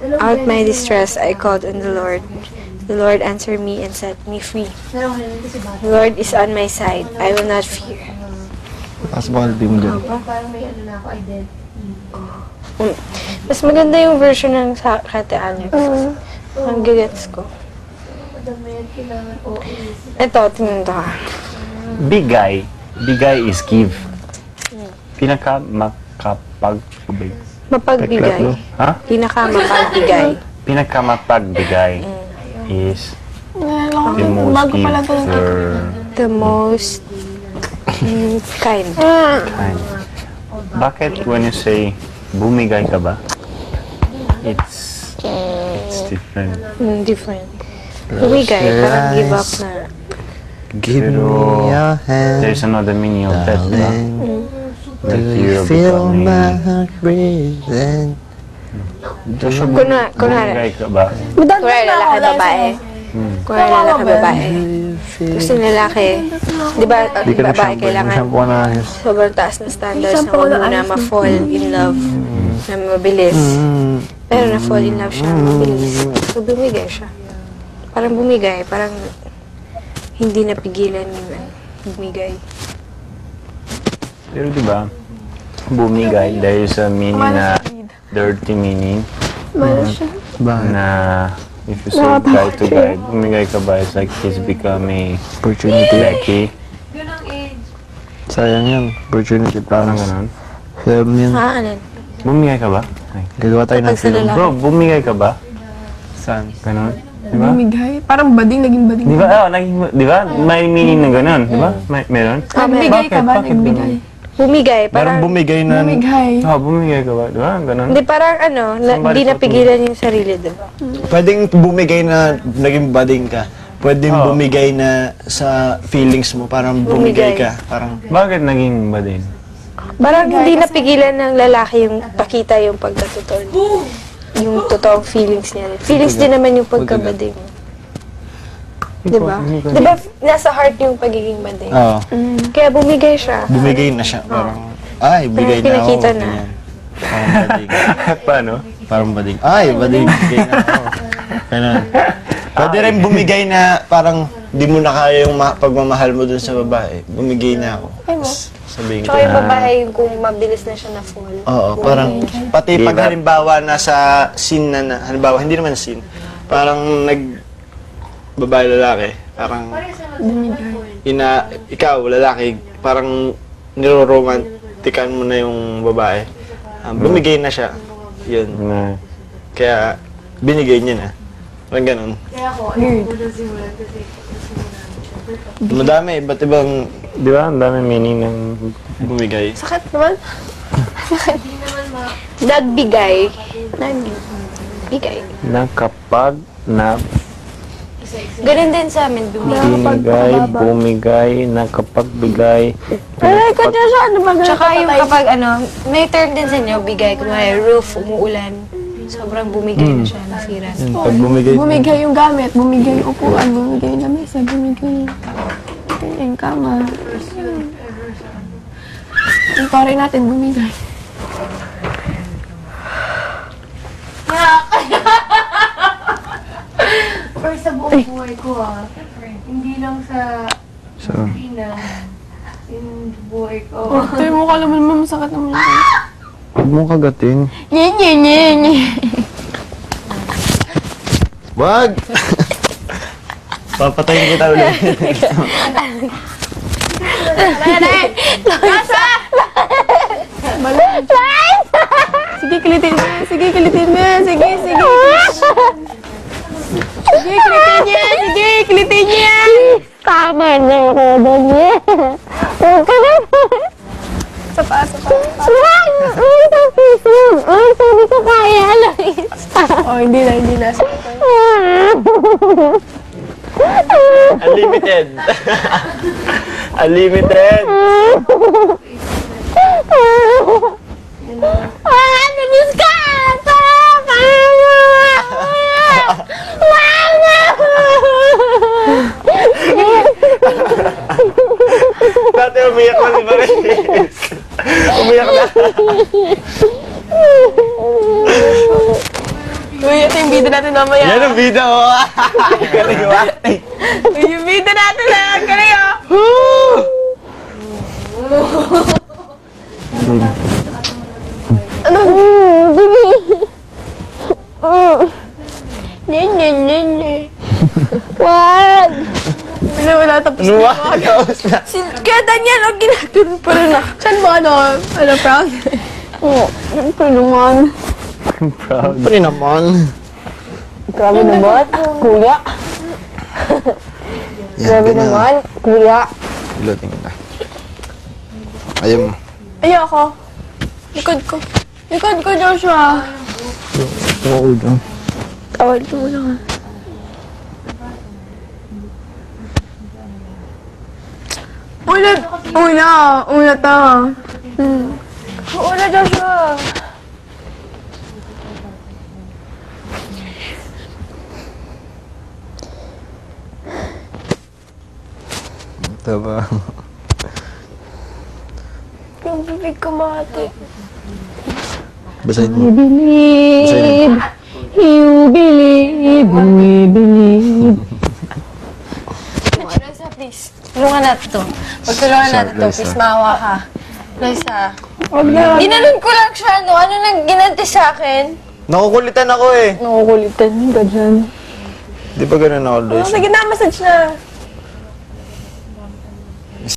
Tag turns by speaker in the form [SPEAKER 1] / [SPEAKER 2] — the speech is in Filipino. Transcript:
[SPEAKER 1] out my distress, I called on the Lord. The Lord answered me and set me free. The Lord is on my side. I will not fear.
[SPEAKER 2] Possibility mo dyan.
[SPEAKER 1] Mas maganda yung version ng Kate Alex. Ang gagets ko. Ito, tingnan to ka.
[SPEAKER 3] Bigay. Bigay is give. Pinaka-makapagbigay.
[SPEAKER 1] Mapagbigay.
[SPEAKER 3] Ha?
[SPEAKER 1] Pinaka-mapagbigay.
[SPEAKER 3] Pinaka-mapagbigay is the most giver.
[SPEAKER 1] The most kind.
[SPEAKER 3] Kind. Bakit when you say bumigay ka ba? It's different.
[SPEAKER 1] Different. Bumigay, parang give up na.
[SPEAKER 2] Give me
[SPEAKER 3] Pero
[SPEAKER 2] your hand,
[SPEAKER 3] there's another meaning of that, diba?
[SPEAKER 2] darling.
[SPEAKER 3] Like
[SPEAKER 2] Do
[SPEAKER 3] you're
[SPEAKER 2] you feel
[SPEAKER 3] becoming...
[SPEAKER 2] my heart breathing?
[SPEAKER 1] Kunwari,
[SPEAKER 3] Bumigay ka ba?
[SPEAKER 1] kunwari lalaki, babae. Kunwari lalaki, babae. Gusto ng lalaki, di ba,
[SPEAKER 2] Di ka
[SPEAKER 1] babae
[SPEAKER 2] nag-shampoo.
[SPEAKER 1] kailangan
[SPEAKER 2] Nag-shampoo ka na ayos.
[SPEAKER 1] sobrang taas na standards na huwag muna ma-fall in love na mabilis. Pero na-fall in love siya, mabilis. So, bumigay siya. Parang bumigay, parang hindi napigilan yung bumigay.
[SPEAKER 3] Pero diba, bumigay, there is a meaning na dirty meaning
[SPEAKER 2] Bakit?
[SPEAKER 3] na if you say guy to guy, bumigay ka ba, it's like he's becoming
[SPEAKER 2] Opportunity.
[SPEAKER 3] lucky.
[SPEAKER 2] Sayang yan. Opportunity
[SPEAKER 3] Parang
[SPEAKER 2] parang
[SPEAKER 3] ganun.
[SPEAKER 2] film yan.
[SPEAKER 1] Ano?
[SPEAKER 3] Bumigay ka ba? Ay.
[SPEAKER 2] Gagawa tayo ng
[SPEAKER 1] Kapag sa
[SPEAKER 2] film.
[SPEAKER 1] lalaki.
[SPEAKER 3] Bro, bumigay ka ba?
[SPEAKER 2] Saan?
[SPEAKER 3] Ganun. Diba?
[SPEAKER 4] Bumigay. Parang bading, naging bading.
[SPEAKER 3] Di ba? Oh, di ba? May meaning na ganun. Di ba? Meron?
[SPEAKER 4] Nagbigay ka ba?
[SPEAKER 3] Bakit
[SPEAKER 4] Nagbigay.
[SPEAKER 1] Bumigay,
[SPEAKER 2] Parang
[SPEAKER 1] parang,
[SPEAKER 2] bumigay na...
[SPEAKER 4] Bumigay.
[SPEAKER 3] Oh, bumigay ka ba? Di ba? Ganun.
[SPEAKER 1] hindi parang ano, hindi napigilan yung sarili, di ba?
[SPEAKER 2] Pwedeng bumigay na naging bading ka. Pwedeng
[SPEAKER 3] Oo.
[SPEAKER 2] bumigay na sa feelings mo. Parang bumigay ka. Parang...
[SPEAKER 3] Bakit naging ba din?
[SPEAKER 1] Parang hindi napigilan ng lalaki yung pakita yung pagkatotoo niya. Yung totoong feelings niya. Feelings din naman yung pagkabading. Di ba? Di ba nasa heart yung pagiging bading?
[SPEAKER 2] Oo.
[SPEAKER 1] Kaya bumigay siya.
[SPEAKER 2] Bumigay na siya. Parang... Ay, bigay na ako.
[SPEAKER 1] pinakita na.
[SPEAKER 2] Ganyan. Parang bading.
[SPEAKER 3] Paano?
[SPEAKER 2] Parang bading. Ay, bading. Bigay na ako. Ganun. Pwede rin bumigay na parang di mo na kaya yung pagmamahal mo dun sa babae. Bumigay na ako. Sabihin ko
[SPEAKER 1] Tsaka yung
[SPEAKER 2] na.
[SPEAKER 1] babae yung kung mabilis na siya na fall.
[SPEAKER 2] Oo, parang pati
[SPEAKER 3] Give
[SPEAKER 2] pag
[SPEAKER 3] up.
[SPEAKER 2] halimbawa nasa scene na halimbawa hindi naman scene, parang babae lalaki, parang ikaw lalaki, parang niroromantikan mo na yung babae. Bumigay na siya. Yun.
[SPEAKER 3] Na,
[SPEAKER 2] Kaya binigay niya na. Parang ganun. Madami, iba't ibang
[SPEAKER 3] di ba? Ang dami meaning ng
[SPEAKER 2] bumigay.
[SPEAKER 1] Sakit naman. Nagbigay. Nagbigay.
[SPEAKER 3] na kapag na
[SPEAKER 1] Ganun din sa amin, bumigay.
[SPEAKER 3] bumigay, na kapag bigay.
[SPEAKER 4] Ay, kanya siya. Ano ba?
[SPEAKER 1] Tsaka yung kapag ano, may term din sa inyo, bigay. Kunwari, roof, umuulan. Sobrang bumigay na siya, nasira.
[SPEAKER 2] Pag bumigay,
[SPEAKER 4] Bumigay yung gamit, bumigay yung upuan, bumigay yung lamesa, bumigay yung kama. Yung pare natin, bumigay.
[SPEAKER 5] Or sa buong buhay ko hindi lang sa
[SPEAKER 2] so,
[SPEAKER 5] Pilipinas, yung buhay ko.
[SPEAKER 4] Ito yung mukha naman, masakit naman.
[SPEAKER 2] huwag mong kagatin.
[SPEAKER 4] Nye, nye, nye, nye.
[SPEAKER 2] Wag! Papatayin kita ulit.
[SPEAKER 4] Sige, kilitin mo. Sige, kilitin mo. Sige, sige. Sige, kilitin niya. Sige, kilitin niya.
[SPEAKER 1] Tama na ako doon niya. Huwag ka na.
[SPEAKER 4] Sapa, sapa.
[SPEAKER 1] Sabi ko kaya lang.
[SPEAKER 4] Oh, hindi na, hindi na.
[SPEAKER 2] Unlimited. Unlimited.
[SPEAKER 1] Namiss ka!
[SPEAKER 2] Dati umiyak na si Maris. Umiyak na.
[SPEAKER 4] Uy, ito yung video natin mamaya.
[SPEAKER 2] Yan ang video. Galing mo.
[SPEAKER 4] Uy, yung video natin na. Galing ah. Ano? Nye. Wag! Wala tapos na.
[SPEAKER 2] Tapos na.
[SPEAKER 1] Kaya Daniel, ang ginagano pa rin ako.
[SPEAKER 4] Saan mo ano? Ano, proud? Oo. Siyempre naman.
[SPEAKER 3] Proud.
[SPEAKER 2] Pre naman.
[SPEAKER 4] Grabe naman. Kuya.
[SPEAKER 2] Grabe naman.
[SPEAKER 4] Kuya.
[SPEAKER 2] Iloting na. Ayaw mo.
[SPEAKER 4] Ayoko. Likod ko. Likod ko, Joshua.
[SPEAKER 2] Oo, dyan.
[SPEAKER 4] Tawal ko muna. Una ta. Una, Joshua.
[SPEAKER 2] Ito ba?
[SPEAKER 4] Yung bibig ko mati.
[SPEAKER 2] Basahin mo.
[SPEAKER 4] Believe. You believe. We believe.
[SPEAKER 1] Loisa, please. Tulungan natin to. Pagtulungan natin to, please, maawa ka. Loisa.
[SPEAKER 4] Huwag na.
[SPEAKER 1] Ginanon ko lang siya, no? Ano nang ginanti sa akin?
[SPEAKER 2] Nakukulitan ako eh.
[SPEAKER 4] Nakukulitan ka dyan.
[SPEAKER 2] Di ba ganun ako, Lois?
[SPEAKER 4] Sige na, massage na.